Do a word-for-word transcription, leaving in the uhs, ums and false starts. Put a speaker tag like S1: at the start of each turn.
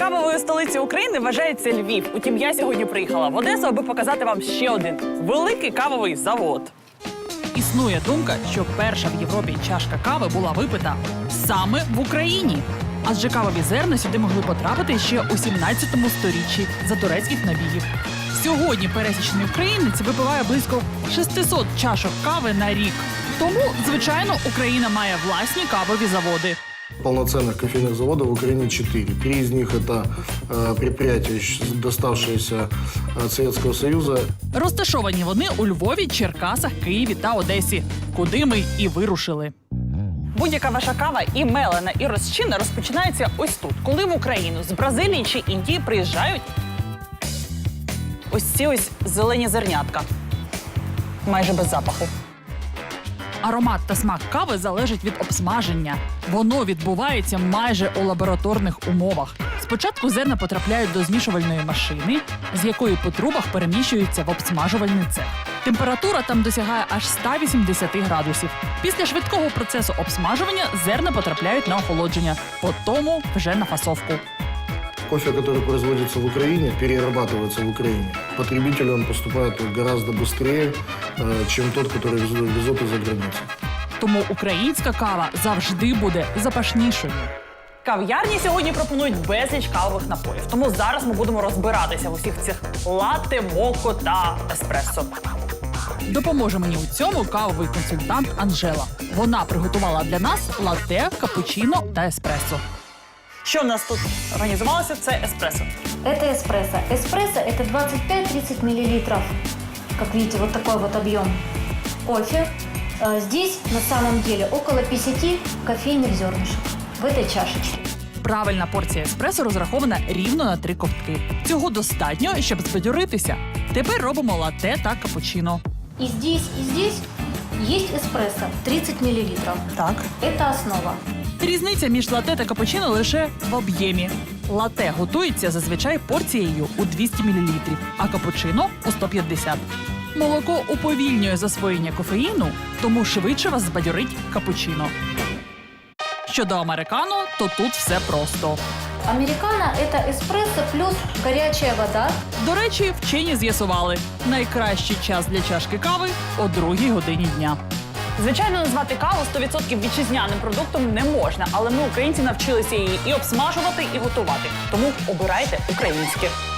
S1: Кавовою столицею України вважається Львів. Утім, я сьогодні приїхала в Одесу, аби показати вам ще один великий кавовий завод. Існує думка, що перша в Європі чашка кави була випита саме в Україні. Адже кавові зерна сюди могли потрапити ще у сімнадцятому сторіччі за турецьких набігів. Сьогодні пересічний українець випиває близько шістсот чашок кави на рік. Тому, звичайно, Україна має власні кавові заводи.
S2: Полноценных кофейных заводов в Украине четыре. Три из них это э, предприятия, доставшиеся от Советского Союза.
S1: Розташовані вони у Львові, Черкасах, Києві та Одесі, куди ми і вирушили. Будь-яка ваша кава і мелена, і розчинна розпочинається ось тут. Коли в Україну з Бразилії чи Індії приїжджають ось ці ось зелені зернятка. Майже без запаху. Аромат та смак кави залежить від обсмаження. Воно відбувається майже у лабораторних умовах. Спочатку зерна потрапляють до змішувальної машини, з якої по трубах переміщуються в обсмажувальний цех. Температура там досягає аж ста вісімдесяти градусів. Після швидкого процесу обсмажування зерна потрапляють на охолодження, потім вже на фасовку.
S2: Кофе, который производится в Украине, перерабатывается в Украине. Потребителю он поступает гораздо быстрее, э, чем тот, который везут, везут из-за границы.
S1: Тому українська кава завжди буде запашнішою. Кав'ярні сьогодні пропонують безліч кавових напоїв. Тому зараз ми будемо розбиратися в усіх цих латте, моко та еспресо. Допоможе мені у цьому кавовий консультант Анжела. Вона приготувала для нас латте, капучино та еспресо. Що в нас тут організувалося? Це еспресо.
S3: Это эспрессо. Эспрессо – это двадцать пять - тридцать миллилитров. Как видите, вот такой вот объем кофе. А здесь на самом деле около пятидесяти кофейных зернышек в этой чашечке.
S1: Правильна порція еспресо розрахована рівно на три ковтки. Цього достатньо, щоб збадьоритися. Тепер робимо латте та капучино.
S3: И здесь, и здесь есть эспрессо тридцать миллилитров.
S1: Так.
S3: Это основа.
S1: Різниця між латте та капучино лише в об'ємі. Латте готується зазвичай порцією у двісті мілілітрів, а капучино – у сто п'ятдесят. Молоко уповільнює засвоєння кофеїну, тому швидше вас збадьорить капучино. Щодо американо, то тут все просто.
S3: Американо – это эспрессо плюс горячая вода.
S1: До речі, вчені з'ясували – найкращий час для чашки кави – о другій годині дня. Звичайно, назвати каву сто відсотків вітчизняним продуктом не можна, але ми, українці, навчилися її і обсмажувати, і готувати. Тому обирайте українське.